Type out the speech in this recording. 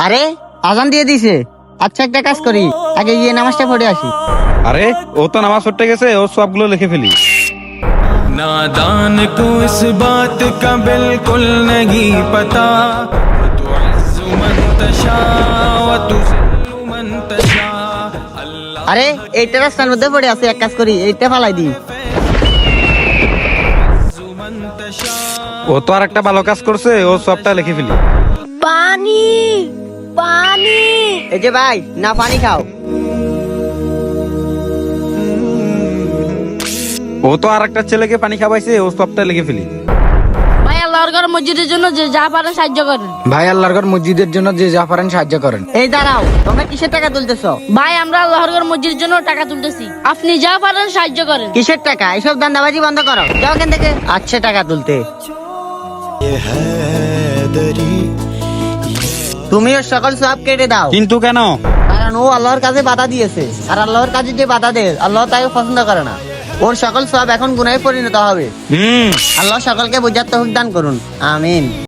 আরে আজান দিয়ে দিছে। আচ্ছা একটা কাজ করি, আগে গিয়ে নামাজটা পড়ে আসি। আরে ও তো নামাজ পড়তে গেছে, ও সবগুলো লিখে ফেলি। नादान को इस बात का बिल्कुल नहीं पता तुअज़्ज़ु मन तशा व तुज़िल्लु मन तशा अल्लाह আরে এইটা রাস্তার মধ্যে পড়ে আছে, এক কাজ করি এইটা ফালাই দিই। मन तशा ও তো আর একটা ভালো কাজ করছে, ও সবটা লিখে ফেলি। পানি পানি। এই যে ভাই, না পানি খাও। ও তো আর একটা ছেলেকে পানি খাওয়াইছে, ও সবটা লিখে ফেলি। ভাই আল্লাহর ঘর মসজিদের জন্য যে যা পারেন সাহায্য করেন। ভাই আল্লাহর ঘর মসজিদের জন্য যে যা পারেন সাহায্য করেন। এই দাঁড়াও, তোমরা কিসের টাকা তুলতেছো? ভাই আমরা আল্লাহর ঘর মসজিদের জন্য টাকা তুলতেছি, আপনি যা পারেন সাহায্য করেন। কিসের টাকা? এসব দান্দাবাজি বন্ধ করো, যাও এখান থেকে। আচ্ছা টাকা তুলতে তুমিও সকল সব কেটে দাও, কিন্তু কেন? কারণ ও আল্লাহর কাছে বাধা দিয়েছে, আর আল্লাহর কাছে যে বাধা দেয় আল্লাহ তাকে পছন্দ করে না। ওর সকল সব এখন গুনাহে পরিণত হবে। হুম আল্লাহ সকলকে বুঝার তৌফিক দান করুন, আমিন।